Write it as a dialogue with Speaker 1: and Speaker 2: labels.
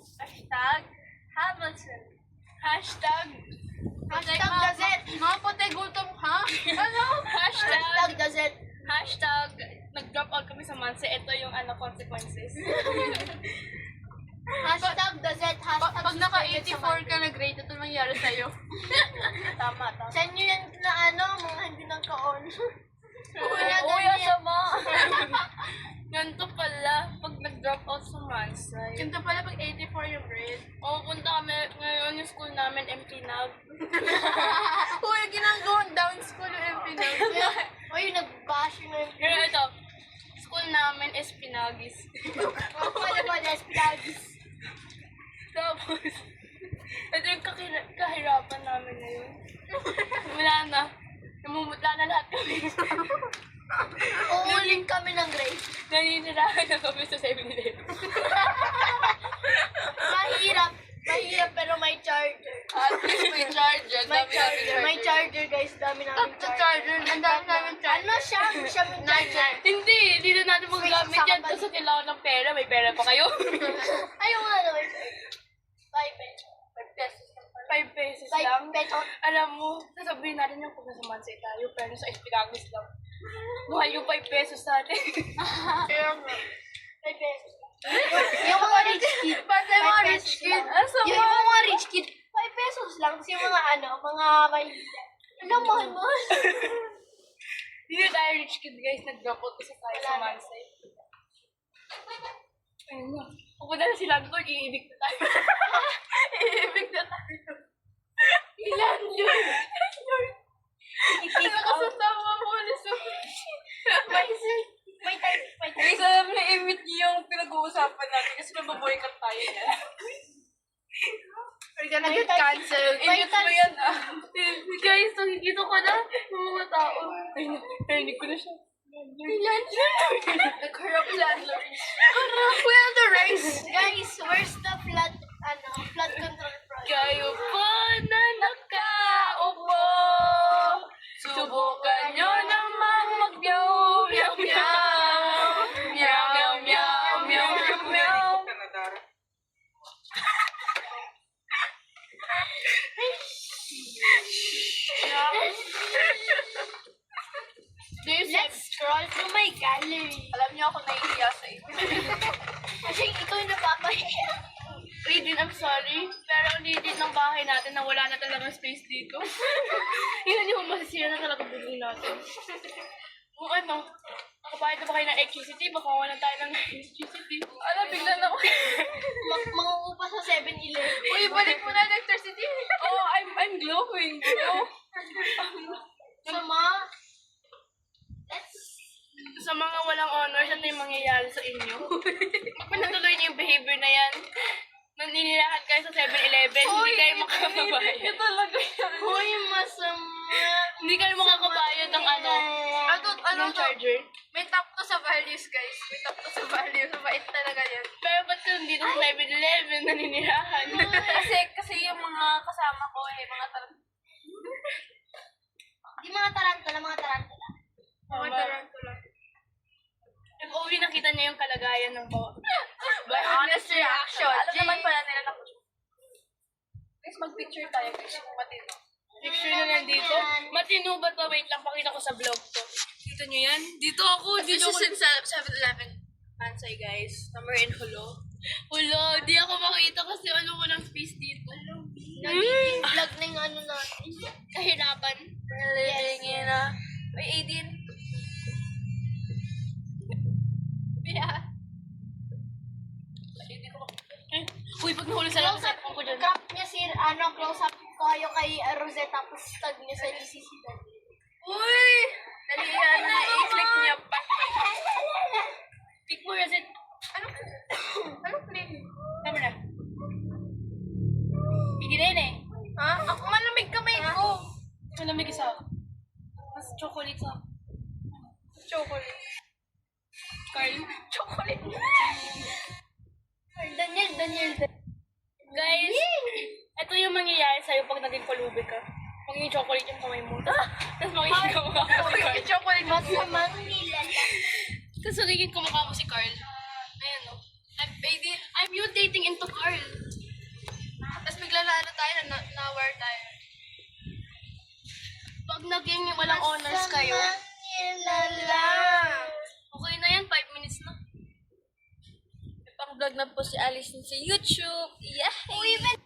Speaker 1: Hashtag Hamilton. Hashtag
Speaker 2: Gazette.
Speaker 1: Mga puti gutom, ha? Ano?
Speaker 2: Hashtag Gazette.
Speaker 1: Hashtag nag-drop out kami sa Manse. Ito yung consequences.
Speaker 2: Hashtag Gazette. Hashtag
Speaker 1: Pag naka-84 ka na grade, ito nangyari sa'yo.
Speaker 2: Tama. Sa inyo yan na mga hindi nagka-on.
Speaker 1: Uy, asama. Ganito pala, pag nag-drop out sa Mansay. Ganito pala pag 84 yung grade. Oo, punta kami ngayon yung school namin, MP Nag. Uy, ginagawa down school yung MP Nag.
Speaker 2: Uy, nag-bash yung
Speaker 1: Pero ito, school namin is Pinagis.
Speaker 2: Wala ba na Espilagis?
Speaker 1: Tapos, ito yung kahirapan namin ngayon. Wala na. Namumutla na lahat kami.
Speaker 2: Uuling kami ng grade.
Speaker 1: Naninirahan na kami sa 7-Eleven.
Speaker 2: Mahirap pero may charger.
Speaker 1: At least may charger.
Speaker 2: May charger guys, dami namin
Speaker 1: Charger. Ang dami namin charger.
Speaker 2: Ano siya? Siya may charger.
Speaker 1: Hindi na natin magagamit yan. Kasi kailangan ng pera. May pera pa kayo.
Speaker 2: Ayaw nga na may charger. 5 pesos.
Speaker 1: 5 pesos lang.
Speaker 2: 5 pesos.
Speaker 1: Alam mo, sasabihin natin yung kung nasa Mansay tayo. Pero sa Espiragos lang. Mahal yung 5 pesos natin.
Speaker 2: Kaya nga. 5 pesos. Yung mga rich kid.
Speaker 1: Basta yung mga rich kid.
Speaker 2: Yung mga rich kid, 5 pesos lang. Kasi yung mga mga mahihila. Alam, mahal.
Speaker 1: Hindi na tayo rich kid guys. Nag-drop out kasi tayo sa Mansay. Ayun na. Pupunta na si Landlord, iibig na tayo. Iibig na tayo. Landlord.
Speaker 2: I-kick out.
Speaker 1: Kasama mo na sa...
Speaker 2: May time.
Speaker 1: Guys, alam na i-meet niyo yung pinag-uusapan natin kasi mababoycott tayo na. We're gonna get cancelled.
Speaker 2: May
Speaker 1: I-mute mo yan Guys, nakikita ko na yung mga tao. Ay, narinig ko na siya. Landlord. Nag-harap landlord. We have the rights.
Speaker 2: Guys, where's the flood control project?
Speaker 1: Kayo pa na nakaupo. Subukan nyo namang mag-meow, meow, meow. Meow, meow, meow, meow, meow.
Speaker 2: Let's scroll through my gallery.
Speaker 1: Alam niyo ako nahihiya sa inyo.
Speaker 2: Kasi ikaw yung napapahiya.
Speaker 1: Raiden, I'm sorry. Pero ang liit ng bahay natin na wala na talagang space dito. Yun yung masisira na talaga building natin. Kung nakabayad na ba kayo ng electricity? Baka wala tayo ng electricity. Bigla na ako.
Speaker 2: Mangungupa sa 7-Eleven.
Speaker 1: Uy, balik mo na electricity. Oh, I'm glowing. Oh. Sa mga walang honors, ano yung mangyayari sa inyo? Magpanatuloy niyo yung behavior na yan. Naninirahan kayo sa 7-Eleven, hindi kayo makakabayad. Ito talaga yan.
Speaker 2: Uy, masama.
Speaker 1: Hindi kayo makakabayad ng ng charger.
Speaker 3: May top to sa values, guys. May top to sa values. Mabait talaga yan.
Speaker 1: Pero ba't ka nandito sa 7-Eleven naninirahan?
Speaker 3: Kasi yung mga kasama ko, mga
Speaker 2: Di mga tarantula.
Speaker 3: Mga tarantula.
Speaker 1: If only nakita niya yung kalagayan ng bawat.
Speaker 3: By honest reaction. Alam naman pala nila na
Speaker 1: Guys, mag-picture tayo. Picture mo matino. Picture na nandito. Matino ba to? Wait lang, pakita ko sa vlog to. Dito nyo yan? Dito ako.
Speaker 3: This is in 7-Eleven. Mansay, guys. Somewhere in Hulo.
Speaker 1: Hulo, di ako makita kasi walang space dito.
Speaker 2: Nagiging vlog na yung natin.
Speaker 1: Kahirapan.
Speaker 3: We're living in a... May 18. Yeah.
Speaker 1: Uy, pag nahulog sa lang, set ko dyan.
Speaker 2: Crop niya close up ko kayo kay Rosette tapos tag niya sa GCC.
Speaker 3: Uy! Dali yan na. I-click niya pa.
Speaker 1: Pick mo, Reset.
Speaker 3: Ano click?
Speaker 1: Tama na. Hindi na yun eh.
Speaker 3: Ha? Ako malamig kamay ko.
Speaker 1: Malamig isa. Mas chocolate sa.
Speaker 3: Chocolate.
Speaker 1: Carl.
Speaker 3: Chocolate.
Speaker 2: Daniel.
Speaker 1: Guys, ito yung mangyayari sa'yo pag naging pulubi ka. Magiging chocolate yung kamay mo. Tapos magiging kamukha mo si Carl.
Speaker 3: Chocolate.
Speaker 2: Masamang nilala.
Speaker 1: Tapos magiging kamukha mo si Carl. Ayan o.
Speaker 3: Baby,
Speaker 1: I'm mutating into Carl.
Speaker 3: Tapos bigla na ano tayo, na-war tayo.
Speaker 1: Pag naging walang honors kayo, okay na yan, 5 minutes na. May pang-vlog na po si Alice sa YouTube. Yay!